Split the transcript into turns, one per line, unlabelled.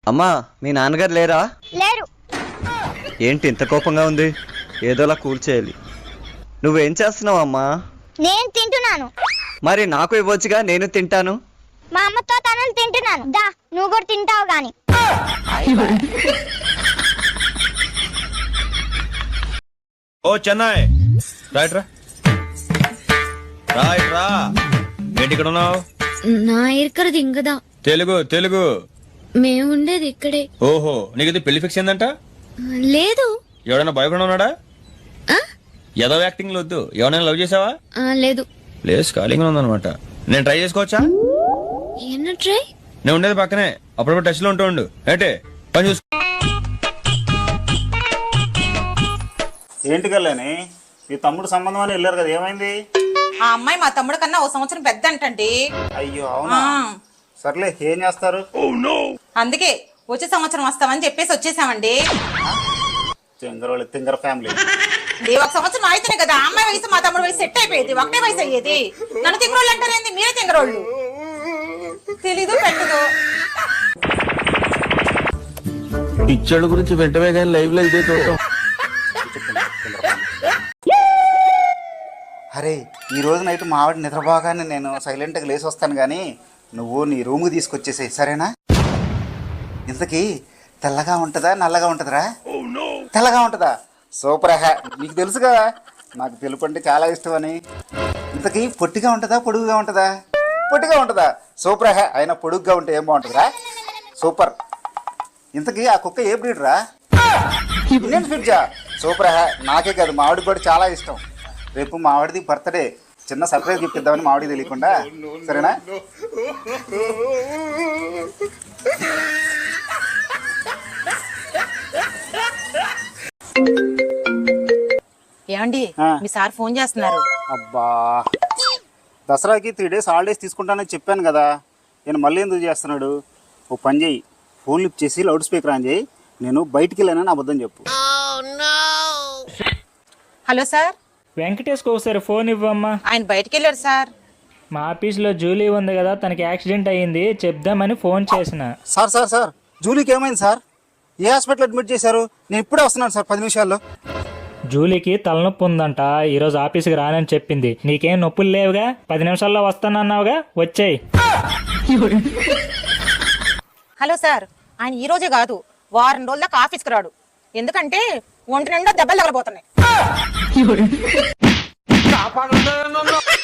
అమ్మా మీ నాన్నగారు లేరా?
లేరు.
ఏంటి ఇంత కోపంగా ఉంది? ఏదోలా కూల్ చేయాలి. నువ్వేం చేస్తున్నావు అమ్మా?
నేను తింటున్నాను.
మరి నాకు ఇవ్వచ్చుగా, నేను తింటాను.
మా అమ్మతో తనలు తింటున్నాను. దా నువ్వు కూడా తింటావు గాని.
ఓ చెన్నై రైట్ రా రైట్ రా. ఏంటి ఇక్కడ ఉన్నావు?
నా ఇరుకరది ఇంకదా.
తెలుగు తెలుగు.
మేము ఉండేది ఇక్కడే.
ఓహో, నీకు ఇది పెళ్లి ఫిక్స్ అయిందంట?
లేదు.
ఎవడైనా బాయ్ ఫ్రెండ్ ఉన్నాడా? ఏదో యాక్టింగ్ వద్దు. ఎవరైనా లవ్ చేసావా?
లేదు.
ప్లేస్ ఖాళీగా ఉందన్నమాట. నేను ట్రై చేసుకోవచ్చా?
ఏనా ట్రై?
నేను ఉండేది పక్కనే, అప్పుడప్పుడు టచ్ లో ఉంటూ ఉండు. ఏంటే పని చూసుకో.
ఏంటి కళ్యాణి, మీ తమ్ముడు సంబంధం అని వెళ్ళారు కదా, ఏమైంది?
ఆ అమ్మాయి మా తమ్ముడు కన్నా ఓ సంవత్సరం పెద్ద అంటండి.
అయ్యో అవునా? సర్లే, ఏం చేస్తారు?
అందుకే వచ్చే సంవత్సరం వస్తామని చెప్పేసి వచ్చేసామండి.
తింగర ఫ్యామిలీ.
ఒక సంవత్సరం అయితేనే కదా అమ్మాయి వయసు మా తమ్ముడు వయసు సెట్ అయిపోయేది, ఒకటే వయసు అయ్యేది. నన్ను తింగరోళ్ళు అంటారేంది? మీరే తింగరోళ్ళు. తెలీదు పెట్టదు.
పిచ్చోళ్ళ గురించి వెంటనే కానీ లైవ్ లో ఇదే చూడటం.
అరే, ఈ రోజు నైట్ మా ఆవిడ నిద్రపోగానే నేను సైలెంట్గా లేచి వస్తాను, కానీ నువ్వు నీ రూమ్కి తీసుకొచ్చేసేయి, సరేనా? ఇంతకీ తెల్లగా ఉంటుందా నల్లగా ఉంటుందిరా? తెల్లగా ఉంటుందా? సూపర్ హా. నీకు తెలుసు కదా నాకు తెలుపు అంటే చాలా ఇష్టం అని. ఇంతకీ పొట్టిగా ఉంటుందా పొడుగుగా ఉంటుందా? పొట్టిగా ఉంటుందా? సూపర్ హా. అయినా పొడుగ్గా ఉంటే ఏం బాగుంటుందిరా? సూపర్. ఇంతకీ ఆ కుక్క ఏ బ్రీడ్ రా? ఇండియన్ ఫిడ్జా? సూపర్ హా. నాకే కాదు మా ఆవిడకి కూడా చాలా ఇష్టం. రేపు మా ఆవిడది బర్త్డే, చిన్న సర్ప్రైజ్ గిఫ్ట్ ఇద్దామని మా ఆవిడకి తెలియకుండా, సరేనా?
ఏమండి, మీ సార్ ఫోన్ చేస్తున్నారు.
అబ్బా, దసరాకి 3 days హాలిడేస్ తీసుకుంటానని చెప్పాను కదా, నేను మళ్ళీ ఎందుకు చేస్తున్నాడు? ఓ పని చేయి, ఫోన్ లిఫ్ట్ చేసి లౌడ్ స్పీకర్ ఆన్ చేయి. నేను బయటికి వెళ్ళానని అబద్ధం చెప్పు.
Hello sir.
వెంకటేష్కి ఒకసారి ఫోన్ ఇవ్వమ్మా.
ఆయన బయటికి వెళ్ళారు సార్.
మా ఆఫీస్లో జూలీ ఉంది కదా, తనకి యాక్సిడెంట్ అయ్యింది, చెప్దామని ఫోన్ చేసిన.
సార్ జూలీకి ఏమైంది సార్? ఏ హాస్పిటల్ అడ్మిట్ చేశారు? నేను ఇప్పుడే వస్తున్నాను సార్, 10 నిమిషాల్లో.
జూలీకి తలనొప్పి ఉందంట, ఈరోజు ఆఫీస్కి రానని చెప్పింది. నీకేం నొప్పులు లేవుగా? 10 నిమిషాల్లో వస్తానన్నావుగా, వచ్చేయి.
హలో సార్, ఆయన ఈ రోజే కాదు, వారం రోజుల దాకా ఆఫీస్కి రాడు. ఎందుకంటే ఒంటి నిండా దెబ్బలు తగలబోతున్నాయి.